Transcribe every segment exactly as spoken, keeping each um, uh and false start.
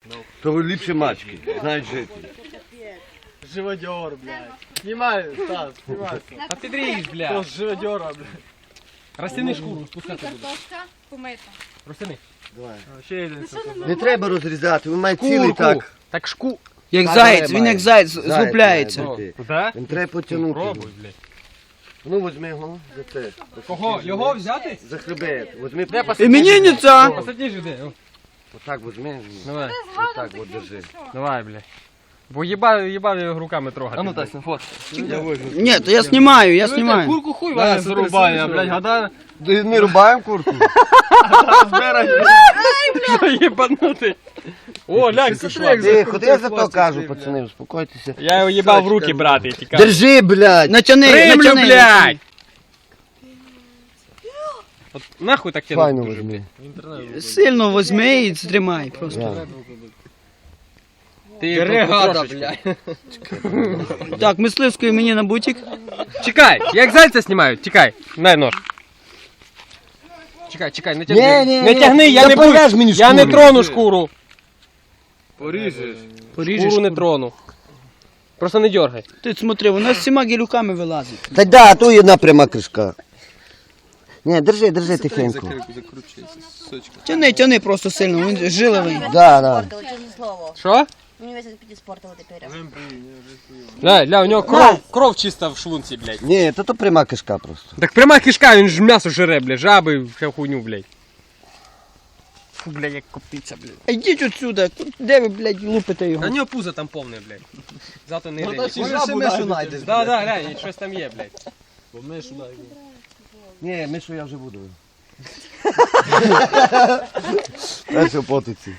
То ліпше мачки, знають жити. Живодер, блядь. Снимай, Стас, снимай. А ти дрієш, То бля. с живодера, блядь. Розтяни шкуру, спускати буде. Картошка помита. Розтяни. Ще один. Не треба розрізати, він має цілий Курку. так. Так шку... Як Так, заєць, має. він як заєць Заєць згубляється. має бути. Да? Він треба потягнути. Пробуй, блядь. Ну, возьми його за це. Кого? Його взяти? За хребет. Возьми. Де посадиш? Іменинниця! Посадиш де? О, Отак возьми. давай, Отак от держи. давай, блядь. Бо їбав, їбав його руками трогати. А ну блядь. так, фот. Ні, то я знімаю, я знімаю. Курку хуй ваня зарубає, а, блядь, гада... Ми рубаємо курку? Єбанутий. О, глянь, пішла. Тихо, я за то кажу, пацани, успокойтеся. Я його їбав в руки брати, я тікав. Держи, блядь! Натяни, Римлю, натяни. блядь! От нахуй так тянуть Файно дуже, возьми. блядь. Сильно возьми і тримай просто. Да. Ти Бригада, блядь. Так, мисливської мені на бутик. Чекай, як зайця знімають, тікай, дай нож. Чекай, чекай, не тягни. Ні, ні, Не ні. тягни, я Та не буду. порежь мені Я не шкуру. трону шкуру. Поріжеш. Поріжеш. Шкуру не трону. Просто не дергай. Ти смотри, вона з всіма гілюками вилазить. Та да, то є одна пряма кришка. Ні, держи, держи тихенько. Закручується, сучка. Тяни, тяни просто сильно, він жиловий. Да, да. Чесне слово. Що? Мені весь підіспортили тепер. Ля, ля, у нього кров, кров чиста в шлунці, блядь. Ні, то то пряма кишка просто. Так пряма кишка, він ж м'ясо жире, блядь, жаби, всю хуйню, блядь. Фу, блядь, як коптиться, блядь. А йдіть отсюда, де ви, блядь, лупите його? А нього пузо там повне, блядь. Зато не гриє. Може, мишу знайдеш. Да, да, глянь, щось там є, блядь. Мишу дай. Ні, Мишу я вже буду. Перше потиці.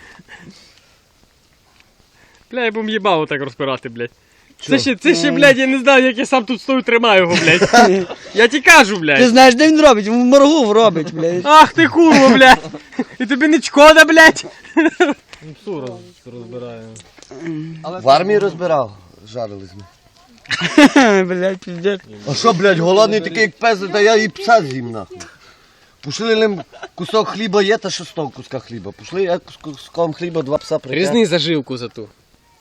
Бля, я б їбав отак розпирати, блядь. Це ще, це ще, блядь, я не знаю, як я сам тут стою, тримаю його, блядь. Я ті кажу, Ти блядь. знаєш, де він робить? В моргу робить, блядь. Ах ти курва, блядь. І тобі не шкода, блядь. Псу роз, розбираємо. В армії розбирав. Жарили з ним. Блядь, піздець. А що, блядь, голодний такий як пес, та я і пса з'їм нахуй. Пошли лим кусок хліба є, та що з того куска хліба. Пошли я з куском хліба два пса притягну. Різни заживку за ту.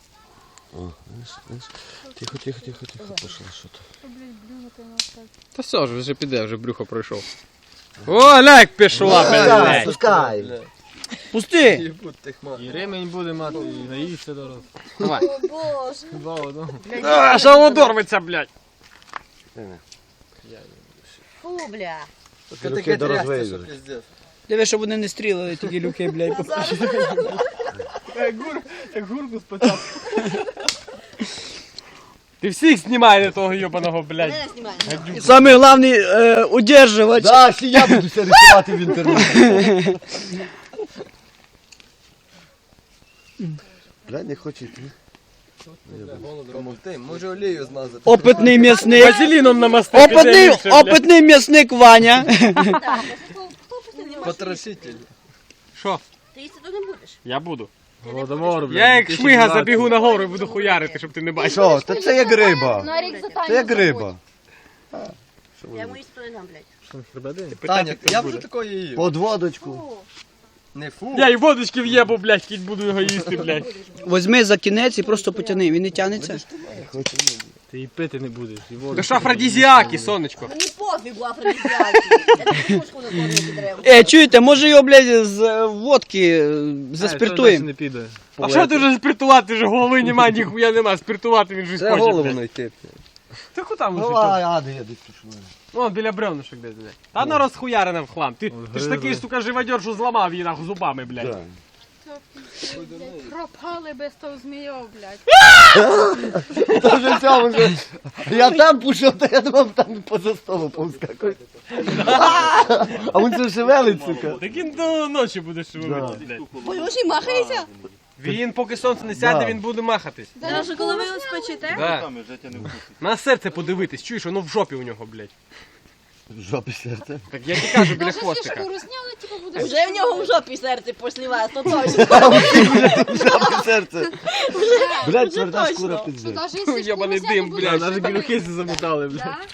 Тихо, тихо, тихо, тихо, пошла, що то. Та все ж, вже піде, вже брюхо пройшов. О, ляк пішла, блядь. Пускай. Пусти! І ремень буде мати, і наївся дорос. Давай. Боже. Два в одному. А, що воно дорветься, блядь. Фу, бля. Руки до розвейду. Диви, щоб вони не стрілили, тоді люки, блядь. Як гурку спочатку. Ти всіх знімай на того йобаного, блядь. Мене знімає. Саме головне е, удержувач. Да, ще я буду все рисувати в інтернеті. Блядь, не хоче йти. Помогти, може олію змазати. Опитний м'ясник. Вазеліном намасти. Опитний, опитний м'ясник Ваня. Потрошитель. Що? Ти їсти тут не будеш. Я буду. Голодомор, блядь. Я як шмига забігу на гору і буду хуярити, щоб ти не бачив. Що? Та це як риба. На рік за Це як риба. Я йому їсти то не дам, блядь. Таня, я б вже такої їв. Под водочку. Не фу. Я і водочки в'єбу, блядь, кіть буду його їсти, блядь. Возьми за кінець і просто потяни, він не тягнеться. Ти і пити не будеш. І воду. Це ж афродизіаки, сонечко. Мені пофігу, афродизіаки. Я не пушку на кормити треба. Е, чуєте, може його, блядь, з е, водки е, заспиртуємо? не піде. А що ти вже спиртувати? Вже голови нема, ніхуя нема. Спиртувати він вже Це хоче, голову блядь. знайти. Ти куди Ну, вже? а, а, де я десь пішов. Вон, біля бревнышок десь, блядь. Та вона розхуярена в хлам. Ти, ти ж такий, сука, живодер, що зламав її нахуй зубами, блядь. Пропали без того змійов, блядь. Та вже цьому вже. Я там пішов, то я думав, там поза столу повскакує. А він це шевелить, сука. Так він до ночі буде шевелити, блядь. Боже, махайся. Він, поки сонце не сяде, Да. він буде махатись. Даже коли ви спечете? Да. На серце подивитись, чуєш, воно в жопі у нього, блядь. В жопі серце. Так я ті кажу біля Може, якщо хвостика. шкуру зняли, типу буде. Вже в нього в жопі серце після вас, то точно. В жопі серце. Блядь, тверда точно. шкура Що пиздець. навіть якщо Йобаний шкуру дим, зняти, блядь, буде Навіть шкуру. білюхи замотали, блядь. Да?